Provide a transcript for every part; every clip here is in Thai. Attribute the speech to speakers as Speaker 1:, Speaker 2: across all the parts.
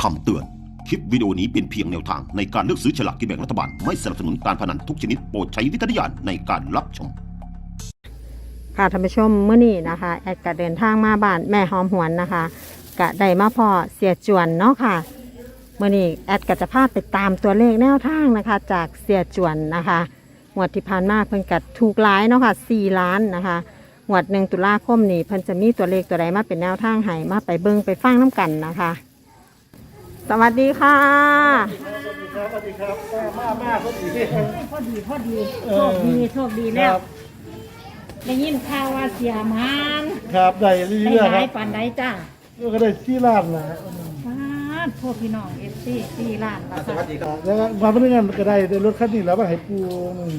Speaker 1: คำเตือน คลิปวิดีโอนี้เป็นเพียงแนวทางในการเลือกซื้อฉลากกินแบ่งรัฐบาลไม่สนับสนุนการพนันทุกชนิดโปรดใช้วิจารณญาณในการรับชม
Speaker 2: ค่ะท่านผู้ชมเมื่อนี้นะคะแอดก็เดินทางมาบ้านแม่หอมหวนนะคะกะได้มาพอเสียจวนเนาะค่ะเมื่อนี้แอดก็จะพาไปตามตัวเลขแนวทางนะคะจากเสียจวนนะคะงวดที่ผ่านมาเพิ่นกัดถูกหลายเนาะค่ะ4 ล้านนะคะงวด1 ตุลาคมนี้เพิ่นจะมีตัวเลขตัวใดมาเป็นแนวทางให้มาไปเบิ่งไปฟังน้ำกันนะคะสวัสดีค่ะ
Speaker 3: สวัสดีครับมาพอดี
Speaker 4: พอดีโชคดีแล้วได้ยินข่าวว่าเสียมัน
Speaker 3: ครับได้เรื่อยๆครับ
Speaker 4: ได้หลายปันได้จ้า
Speaker 3: ก็ได้4 ล้านนะ
Speaker 4: พวกพี่น้อง4 ล้านแล้ว
Speaker 3: สวัสดีครับแล้วมาเพื่อนกันก็ได้รถคันนี้แล้วมาให้ปู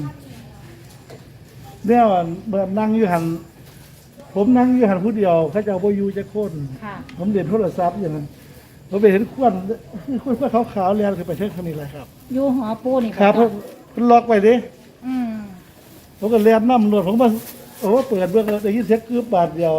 Speaker 3: เนี่ยนั่งอยู่หันผมนั่งอยู่หันผู้เดียวเขาจะเอาโบยูจะโค่นผมเด่นโทรศัพท์อย่างนั้นผมไปเห็นควันขาวๆแล้วคือไปเช็คคันนี้เลยครับ
Speaker 4: อยู่หอปูนี่
Speaker 3: ครับผมล็อกไปดิผมก็เลียนน้ำหนวดผมมาโอ้เปิดเบื้องได้ยินเสียงคืบบาทเดียว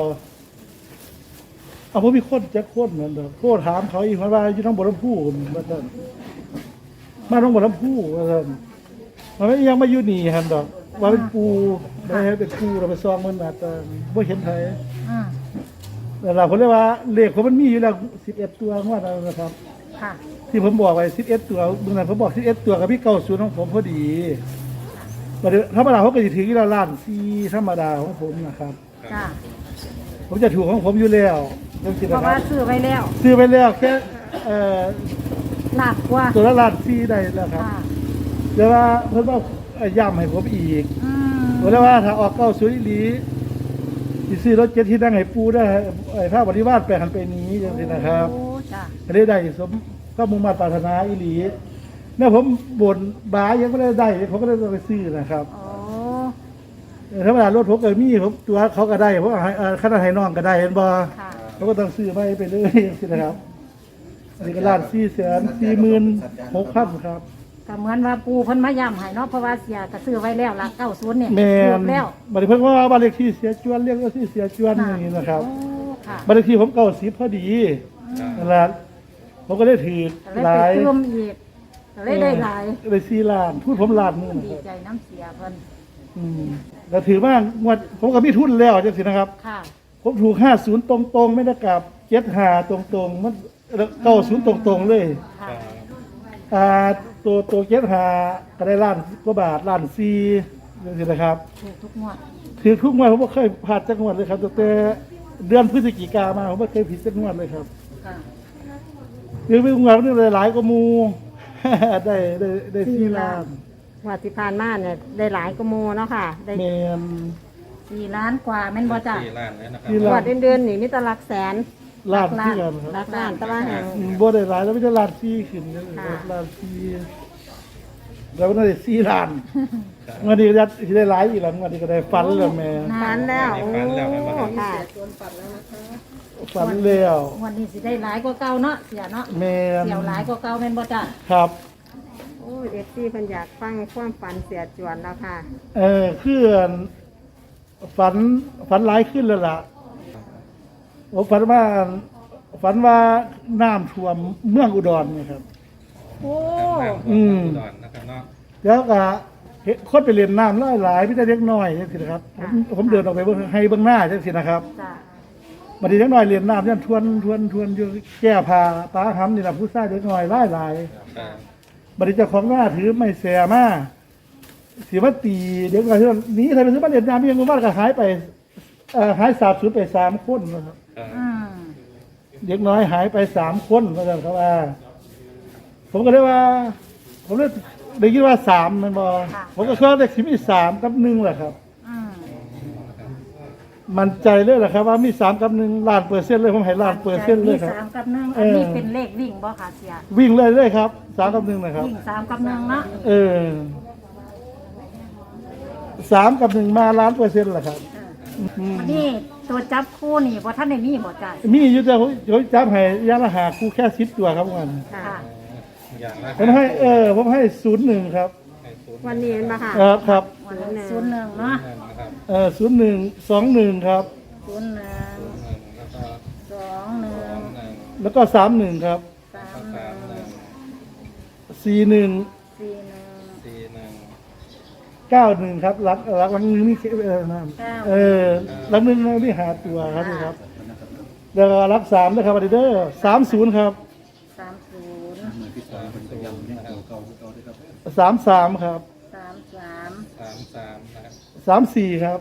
Speaker 3: เอาผมมีคนจะโค่นเหมือนเดิมโค่นถามเขาอีกว่าอยู่ทั้งบนลำพูมาท่านมาทั้งบนลำพูมาท่านมันไม่ยังมาอยู่นี่ฮันดอกว่าเป็นปูไม่ใช่เป็นปูเราไปซองมันอาจจะไม่เห็นไทยแต่เราผมเรียกว่าเลขผมมันมีอยู่แล้ว11 ตัวว่าเรานะครับที่ผมบอกไว้11 ตัวเมื่อนั้นผมบอก11 ตัวกับพี่90ของผมพอดีธรรมดาเขาก็จะถือที่ล้าน4ธรรมดาของผมนะครับผมจะถูกของผมอยู่แล้ว
Speaker 4: เพราะว่าซื้อไว้
Speaker 3: แล้วแค่
Speaker 4: หลักกว่า
Speaker 3: ตัวละล้าน4ได้แล้วครับแต่ว่าเพิ่นว่าย้ำให้ผมอีกบอกแล้วว่าถ้าออก90อีหลีสิซื้อรถ7ที่นั่งให้ปูได้ถ้าบริวารไปหันไปนี้จังซี่นะครับได้สมก็มุ่งมั่นปรารถนาอีหลีเนี่ยผมบ่นบ้ายังไม่ได้ผมก็เลยไปซื้อนะครับธรรมดารถผมก็มีผมตัวเขาก็ได้ผมขนาดให้น้องก็ได้เห็นบ่เขาก็ต้องซื้อไปเลยสินะครับนี่ก็ล้าน446,000ครับ
Speaker 4: ก็เหมือนว่าปูเพิ่นมาย้ำให้เนาะเพราะว่าเสียก็ซื้อไว้แล้วหลัก90เนี่ย
Speaker 3: แล้วบัดนี้เพิ่นว่าบ้านเลขที่เสียจวนเรียกว่าที่เสียจวนนี่นะครับบ้านเลขที่ผม90พอดีนั่นแหละผมก็ได้ถือหลาย
Speaker 4: ได้หลาย
Speaker 3: ได้4 ล้านพูดผมล้านนึง
Speaker 4: ดีใจน้ำเสียเพิ่น
Speaker 3: แต่ถือว่างวดผมก็มีทุนแล้วจังซี่นะครับผมถูก50ตรงๆไม่ได้กลับ75ตรงๆมัน90ตรงๆเลยตัว75ก็ได้ล้านกว่าบาทล้าน4จังซี่นะครับ
Speaker 4: ถูกทุกงวด
Speaker 3: ผมบ่เคยพลาดจักงวดเลยครับตั้งแต่เดือนพฤศจิกายนมาผมบ่เคยผิดจักงวดเลยครับเรื่องงวดนี่หลายกว่าหมู่ได้4 ล้าน
Speaker 2: งวดที่ผ่านมาเนี่ยได้หลายกว่าหมู่เนาะค่ะได้
Speaker 4: 4 ล้านกว่าแม่นบ่จ้ะ
Speaker 5: 4 ล้านแล้วนะครับ
Speaker 2: งวดเดือนนี่มีแต่หลักแสน
Speaker 3: ล้านที่กัน
Speaker 2: ครับล้านแต่ว่าแห่ง
Speaker 3: บ่ได้หลายแล้วไม่ได้ล้าน4ขึ้นล้าน4แล้วน่าจะ4 ล้านวันนี้จะได้หลายอีกแล้ววันนี้ก็ได้ฝันแล้วแม่
Speaker 2: ฝันแล้วโอ้ค่ะ
Speaker 3: ฝันแล้ว
Speaker 4: วันนี้สิได้หลายกว่าเก่าเนาะเสียเนาะ
Speaker 3: แม่
Speaker 4: เสียหลายกว่าเก่าแม่นบ่จ้ะ
Speaker 3: ครับ
Speaker 2: โอ้เอฟซีเพิ่นอยากฟังความฝันเสียจวนแล้วค่ะ
Speaker 3: คือฝันหลายขึ้นแล้วล่ะผมฝันว่าน้ำท่วมเมืองอุดรนี่ครับ
Speaker 4: โอ้
Speaker 5: อุดรนะครับเนาะ
Speaker 3: แล้วก็คนไปเรียนน้ำหลายพี่แต่เล็กน้อยจังซี่นะครับผมเดินออกไปให้เบื้องหน้าจังซี่นะครับบัดนี้เล็กน้อยเรียนน้ำเนี่ยทวนอยู่แก้ผ้าตาหำนี่ล่ะผู้ชายเล็กน้อยหลายบัดนี้เจ้าของหน้าถือไม้แสมาสิมาตีเด็กน้อยนี้ใครไปซื้อมาเรียนน้ำยังบ่ว่าก็หายไปหายสาบสูญไป3 คนนะครับเด็กน้อยหายไป3 คนว่าซั่นครับผมก็เลยว่าผมเลยได้ยินว่า3มันบ่ผมก็คิดว่าเลขมี3 กับ 1แหละครับมั่นใจเลยแหละครับว่ามี3 กับ 1 ล้านเปอร์เซ็นต์เลยผมให้ล้านเปอร์เซ็นต์เลยครับ
Speaker 4: 3 กับ 1อันนี้เป็นเลขวิ่งบ่ค่ะเสีย
Speaker 3: วิ่งเลยครับ3 กับ 1นะครับ
Speaker 4: วิ่ง3 กับ 1เนาะ
Speaker 3: 3 กับ 1มาล้านเปอร์เซ็นต์แหละครับ
Speaker 4: นี่ตัวจับคู่นี่บ่ท่านได้มีบ่จ้ะ
Speaker 3: มีอยู่แต่ผมจับให้ยาละหาคู่แค่10 ตัวครับวันผมให้01ครับ
Speaker 2: วันนี้เห็นป่ะค่ะ
Speaker 3: ครับ
Speaker 4: 01เนาะ
Speaker 3: 01 21ครับ
Speaker 4: 01 21
Speaker 3: แล้วก็31ครับ
Speaker 4: 31
Speaker 3: 41 91ครับรักลังนึงนี่นะลังนึงนี่หาตัวครับนี่ครับแล้วก็รัก3นะครับอดีเดอร์30ครับ33ครับ34ครับ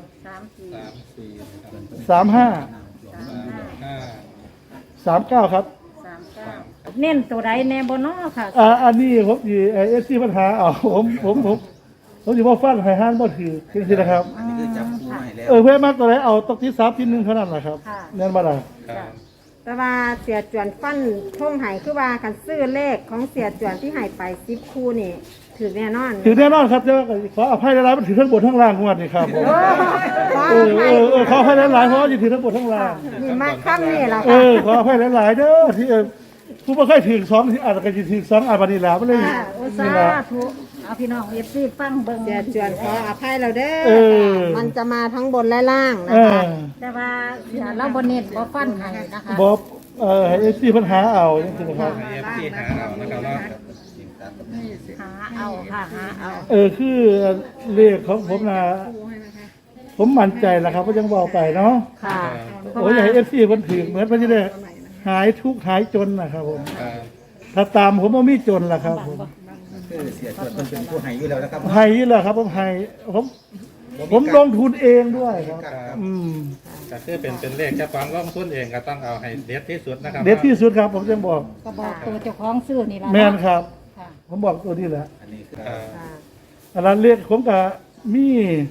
Speaker 3: 35 39ครับ
Speaker 4: เน้นตัวใดแน่บ่น้อค่ะ
Speaker 3: อันนี้ผมอยู่SC ปัญหาผมอยู่ว่าฟันให้ห้านบ่ถือจริงๆนะครับ
Speaker 6: อันนี้คือจับคู่มาให้แล้ว
Speaker 3: เพื่อนมากตัวไหนเอาตกที่ซับที่1เท่านั้นแหละครับแน่นบ่ล่ะ
Speaker 2: แต่ว่าเสียจวนฟันท่งไห้คือว่ากันซื้อเลขของเสียจวนที่ไห้ไป10คู่นี่ถือแน่นอน
Speaker 3: ถือแน่นอนครับจะขออภัยหลายๆมันถือทั้งบนทั้งล่างงวดนี่ครับผม
Speaker 2: ขอ
Speaker 3: ขออภัยหลายๆเพราะว่าจะถือทั้งบนทั้งล่าง
Speaker 2: นี่มาค่ำนี่แหละ
Speaker 3: ข
Speaker 2: ค่ะ
Speaker 3: ออภัยหลายๆเด้อที่ผู้บ่เคยถือ2ที่อาจจะถือ2อาบัดนี้แล้วมันเลย
Speaker 4: โอ้สา
Speaker 3: นี่ล่ะ
Speaker 4: ธุเอาพี่น้อง FC ฟังเบิ่ง
Speaker 2: เสียจวนขออภัยเราเด้
Speaker 3: เอ
Speaker 2: อ
Speaker 3: อ
Speaker 2: มันจะมาทั้งบนและล่างนะคะ
Speaker 4: แต่ว่าเราบ่เน้นบ่ฟันให้นะคะ
Speaker 3: บอกให้SCปัญหาเอาจังซี่นะครับ
Speaker 5: ให้ FC หาเอานะครับเนาะ
Speaker 4: หาเอาค่ะหาเอา
Speaker 3: คือเลขของผมนะผมมั่นใจแล้วครับว่ายังบอกไปเนาะ
Speaker 2: ค่ะ
Speaker 3: โอ้ยอยากให้FCเพิ่นถือเหมือนเพิ่นจะได้หายทุกข์หายจนนะครับผม
Speaker 5: ครับ
Speaker 3: ถ้าตามผมบ่มีจนล่ะครับผม
Speaker 6: คือเสียจวนมันเป็นผู้ให้อยู่แล้วนะครับ
Speaker 3: ให้นี่แหละครับผมให้ผมลงทุนเองด้วยครับ
Speaker 5: ก็คือเป็นเลขเจ้าของลงทุนเองก็ต้องเอาให้เด็ดที่สุดนะครับ
Speaker 3: เด็ดที่สุดครับผมจะบอก
Speaker 4: ก็บอกตัวเจ้าของซื้อนี่ล่ะ
Speaker 3: แม่นครับ
Speaker 4: ค่ะ
Speaker 3: ผมบอกตัวนี้แหละ
Speaker 6: อันนี้คือ
Speaker 5: ครับ
Speaker 3: อันนั้นเลขผมก็มี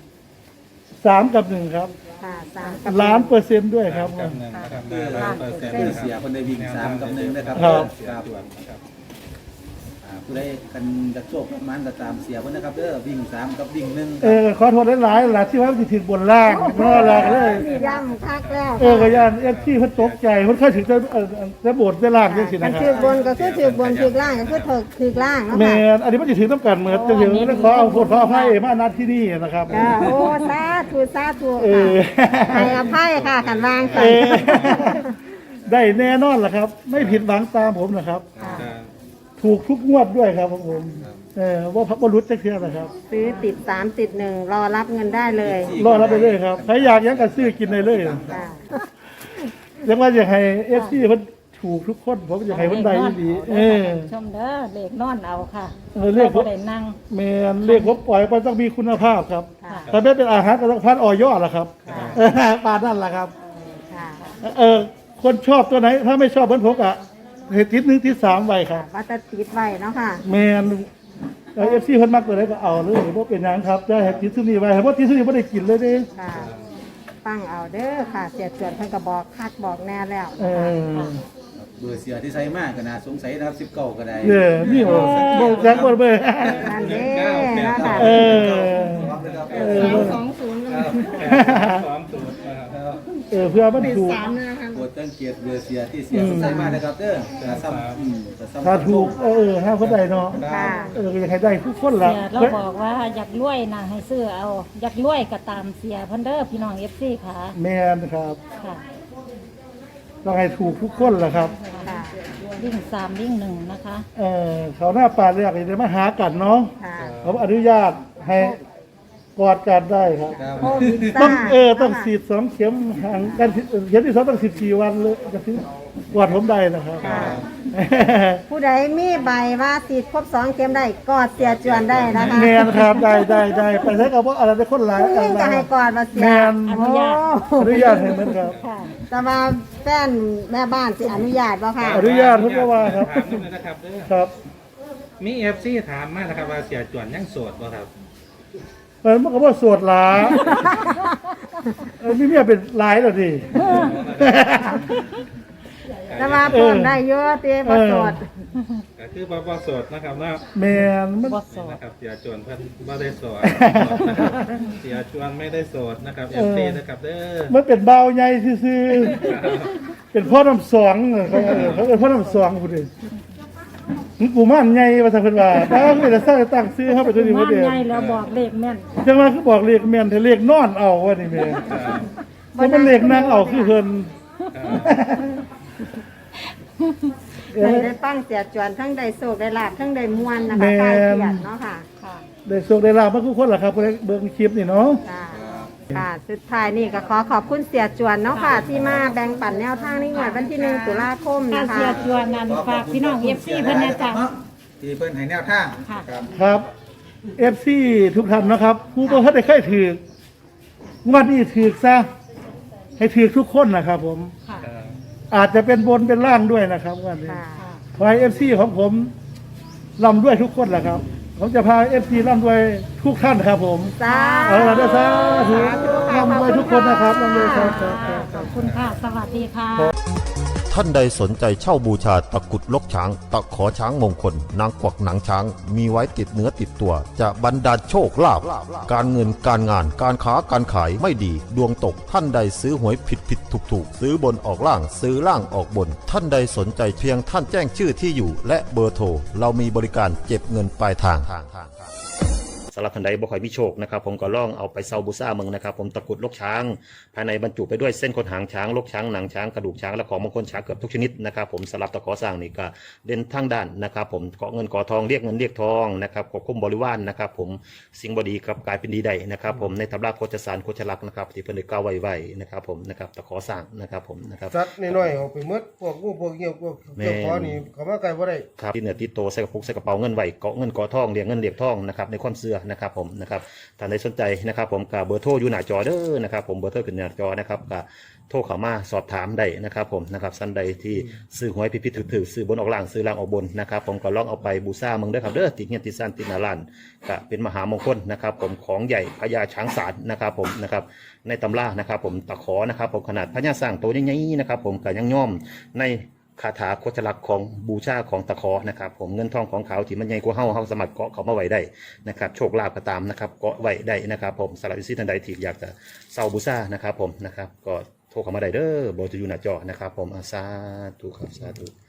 Speaker 3: 3 กับ 1ครับ
Speaker 2: ค่ะ3กับ
Speaker 3: ล้านเปอร์เซ็นต์ด้วยครับ
Speaker 5: กับหนึ่งนะครับ
Speaker 6: คือ
Speaker 5: 100%
Speaker 6: คือเสียคนได้วิ่ง3กับ1นะครับ
Speaker 3: ครับ
Speaker 6: ครับ
Speaker 5: จวนนะครับ
Speaker 6: ผู้ใดกันจะโชคมันก็ตามเสียเพิ่นนะครับเด้อวิ่ง3กับวิ่ง1
Speaker 3: ขอโทษหลายๆหลายที่ว่ามันสิถึงบนล่างเนาะล่ะก็เลย
Speaker 2: ย่ำคักแล้ว
Speaker 3: ก็ย่านที่เพิ่นตกใจเพิ่นเคยถึงจะโบดจะล่างจังซี่
Speaker 2: กั
Speaker 3: นะ
Speaker 2: น
Speaker 3: ค
Speaker 2: ถื
Speaker 3: รั
Speaker 2: อบ นก็คือถือบนถือล่างก็คือถือล่างเนาะ
Speaker 3: แม่
Speaker 2: ค่ะ
Speaker 3: นอันนี้มันสิถึงต้องการเหมือนจังซี่ขอเอาโทษขออภัยมานัดที่นี่นะครับ
Speaker 2: โอ้สาธุสาธุ
Speaker 3: เอ
Speaker 2: ค่ะ
Speaker 3: อ
Speaker 2: ให้อภัยค่ะขันวาง
Speaker 3: เอ
Speaker 2: กัน
Speaker 3: อได้แน่นอนล่ะครับ ไม่ผิดหวังตามผมนะครับ
Speaker 5: ครับ
Speaker 3: ถูกทุกงวดด้วยครับผมว่าพักบรุษจะเที่ยวนะครับ
Speaker 2: ซื้อติด3ติด1รอรับเงินได้เลย
Speaker 3: รอรับไปเลยครับใครอยากยังกันซื้อกินได้เลย
Speaker 2: ค่ะ
Speaker 3: ยังว่าอยากให้FCเพิ่นถูกทุกคนผมอยากให้เพิ่นได้ดี
Speaker 4: ชมเด้อเลขนอนเอาค่ะ
Speaker 3: เลข
Speaker 4: บ่ได้นั่ง
Speaker 3: แม่นเลขผมปล่อยไปต้องมีคุณภาพครับ
Speaker 4: ค่ะ
Speaker 3: ถ้าไม่เป็นอาหารก็ต้องพันออยอดล่ะครับปานนั่นล่ะครับ
Speaker 2: ค่ะ
Speaker 3: คนชอบตัวไหน ถ้าไม่ชอบเหมือนผมอ่ะเหตุทิศ1ทิศ3ไว้ครับ
Speaker 2: ว่าจะติดไว้เนาะค่ะ
Speaker 3: แม่นFC เพิ่นมักตัวไหนก็เอาเลยบ่เป็นหยังครับได้เหตุทิศนี้ไว้เพราะทิศนี้บ่ได้กินเลยเด้
Speaker 2: ค่ะฟังเอาเด้อค่ะ เสียจวนเพิ่นก็บอกคักบอกแน่แล้ว
Speaker 3: เออ
Speaker 6: เบอร์เสียที่ใช้มากก็น่าสงสัยนะครับ19ก็ได้
Speaker 3: นี่บ่จักบ่เบิ่ง
Speaker 2: นั่นเด้เนาะค่ะ
Speaker 3: เออ
Speaker 2: 220
Speaker 5: ครับ20นะครับ
Speaker 3: เพื่อมันถูก
Speaker 2: 3นะคะ
Speaker 6: โปรดสังเกตเบอร์เสียที่เสียใช้มากนะครับเด้อซ้ำ
Speaker 3: ถ้าถูกห้าคนใดเนาะ
Speaker 2: ค่ะ
Speaker 3: ก็อยากให้ได้ทุกคนล่ะ
Speaker 4: เสียเราบอกว่าอยากรวยนะให้ซื้อเอาอยากรวยก็ตามเสียเพิ่นเด้อพี่น้อง FC ค่ะ
Speaker 3: แม่นครับ
Speaker 4: ค่ะ
Speaker 3: ต้องให้ถูกทุกคนล่ะครับ
Speaker 2: ค่ะ
Speaker 4: วิ่ง3วิ่ง1นะคะ
Speaker 3: เขาหน้าป่าเรียกได้มาหากันเนาะ
Speaker 2: ค่ะ
Speaker 3: ผมอนุญาตให้กอดกันได้ครับ
Speaker 2: โควิด
Speaker 3: ต้อง
Speaker 2: ซ่า
Speaker 3: ต้องฉีด2เข็มห่างกันเข็มที่2ต้อง14วันเลยจะถึงกอดผมได้นะครับ
Speaker 2: ค่ะ ผู้ใดมีใบว่าติดครบ2เข็มได้กอดเสียจวนได้นะคะ
Speaker 3: แมนครับได้ไปใช้กับว่าอะไรเป็นคนหลาย
Speaker 2: ผู้หญิงก็ให้กอดมาเสีย
Speaker 3: แมน
Speaker 4: อนุญาต
Speaker 3: อนุญาตให้เหมือนครับ
Speaker 4: ค่ะ
Speaker 2: แต่ว่าแฟนแม่บ้านสิอนุญาตบ่ค่ะ
Speaker 3: อนุญาตทุกว่าครับ
Speaker 5: ถามนิดนึงนะครับเด้อ
Speaker 3: ครับ
Speaker 5: มี FC ถามมานะครับว่าเสียจวนยังโสดบ่ครับ
Speaker 3: มันก็ว่าสวดหลามีเมียเป็นหลายแล้วดิ
Speaker 2: แต่ว่าเพิ่มได้เยอะเต้บ่สด
Speaker 5: ก็คือบ่โสดนะครับเนาะ
Speaker 3: แมนมัน
Speaker 4: บ่โสด
Speaker 5: นะครับเสียจวนเพิ่นบ่ได้โสดนะครับเสียจวนไม่ได้โสดนะครับ FC นะครับเด้อ
Speaker 3: มันเป็นเบาใหญ่ซื่อๆเป็นพ่อน้ำสองเขาเป็นพ่อน้ำสองพูดดิกูม่านใหญ่ว่าซั่นเพิ่นว่าไม่ได้สร้างตั้งซื้อเฮาไปตัวนี้บ่
Speaker 4: บ้าน
Speaker 3: เด้
Speaker 4: ใหญ่แล้วบอกเลขแม่น
Speaker 3: จังว่าคือบอกเลขแม่นแต่เลขนอนเอาว่านี่แม่แล้วมันเลขนั่งเอาคือเพิ่น
Speaker 2: ได้ฟังเสียจวนทั้งได้โศกได้ลาบทั้งได้มวนนะคะคลายเครียดเนาะค่ะ
Speaker 4: ค่ะ
Speaker 3: ได้โชคได้ลาบมาทุกคนล่ะครับเบิ่งคลิปนี่เนาะ
Speaker 2: ค่ะค่ะสุดท้ายนี่ก็ขอขอบคุณเสียจวนเนาะค่ะ ที่มาแบ่งปันแนวทางในงวดวันที่1 ตุลาคม
Speaker 4: ถ้า
Speaker 2: นะ
Speaker 4: เสีย
Speaker 2: คะ
Speaker 4: จวนนั้นฝากพี่น้องเอฟซีเพิ่นนะจ๊ะ
Speaker 6: ที่เพิ่นให้แนวทาง
Speaker 4: ค่ะ
Speaker 6: ครับ
Speaker 3: ครับ FC ทุกท่านนะครับผู้บ่ทันได้เคยถืองวดนี้ถือซะให้ถือทุกคนนะครับผม
Speaker 4: ค่ะ
Speaker 3: อาจจะเป็นบนเป็นล่างด้วยนะครับงวดนี้
Speaker 2: ค่ะ
Speaker 3: ขอให้ FC ของผมร่ำด้วยทุกคนแหละครับ ผมจะพา FC ร่ำด้วยทุกท่านครับผม
Speaker 2: สา
Speaker 3: เอาละด้วยสาธุ
Speaker 2: ค่ะ
Speaker 3: ร่ำด้วยทุกคนนะครับร่ำด้วยครับ
Speaker 4: ขอบคุณค่ะ สวัสดีค่ะ
Speaker 1: ท่านใดสนใจเช่าบูชาตะกรุดลกช้าง ตะขอช้างมงคล นางกวักหนังช้าง มีไว้ติดเนื้อติดตัว จะบรรดาลโชคลาภการเงินการงานการค้าการขายไม่ดี ดวงตกท่านใดซื้อหวยผิดถูกซื้อบนออกล่างซื้อล่างออกบน ท่านใดสนใจเพียงท่านแจ้งชื่อที่อยู่ และเบอร์โทรเรามีบริการเก็บเงินปลายทางสำหรับท่านใดบ่ค่อยมีโชคนะครับผมก็ลองเอาไปเซาบูซ่าเมืองนะครับผมตะกรุดลกช้าง ภายในบรรจุไปด้วยเส้นขนหางช้างลกช้างหนังช้างกระดูกช้างและของมงคลช้างเกือบทุกชนิดนะครับผมสำหรับตะขอสร้างนี่ก็เด่นทั้งด้านนะครับผมเกาะเงินเกาะทองเรียกเงินเรียกทองนะครับควบคุมบริวารนะครับผมสิ่งบดีครับกลายเป็นดีได้นะครับผมในตำราโคจสารโคจลักษณ์นะครับที่เพิ่นได้กล่าวไว้นะครับผมนะครับตะขอสร้างนะครับผมนะครับ
Speaker 7: สัตว์น้อยๆออกไปหมดพวกงูพวกเงี้ยวพวกเจ้าขอนี่เขามาไกลบ่ได้
Speaker 1: ครับที่เหนือติดโตใส่กระปุกใส่กระเป๋าเงินไว้เกาะเงินเกาะทองเรียกเงินเรียกทองนะครับในความเชื่อนะครับผมนะครับท่านใดสนใจนะครับผมกับเบอร์โทรอยู่หน้าจอเด้อนะครับผมเบอร์โทรขึ้นหน้าจอนะครับกับโทรเข้ามาสอบถามได้นะครับผมนะครับท่านใดที่ซื้อหวยผิดๆถือซื้อบนออกล่างซื้อล่างออกบนนะครับผมก็ลองเอาไปบูชาเมืองเด้อครับเด้อติดเงี้ยติดสั้นติดหนาลานก็เป็นมหามงคลนะครับผมของใหญ่พญาช้างศาลนะครับผมนะครับในตำรานะครับผมตะขอนะครับผมขนาดพญาสร้างโตใหญ่ๆนะครับผมก็ยังย่อมในคาถาโคจลักษณ์ของบูชาของตะขอนะครับผมเงินทองของเขาที่มันใหญ่กว่าเฮาสามารถเกาะเขามาไว้ได้นะครับโชคลาภก็ตามนะครับเกาะไว้ได้นะครับผมสำหรับวิสิท่านใดที่อยากจะเซาบูชานะครับผมนะครับก็โทรเข้ามาได้เด้อเบอร์จะอยู่หน้าจอนะครับผมสาธุครับสาธุ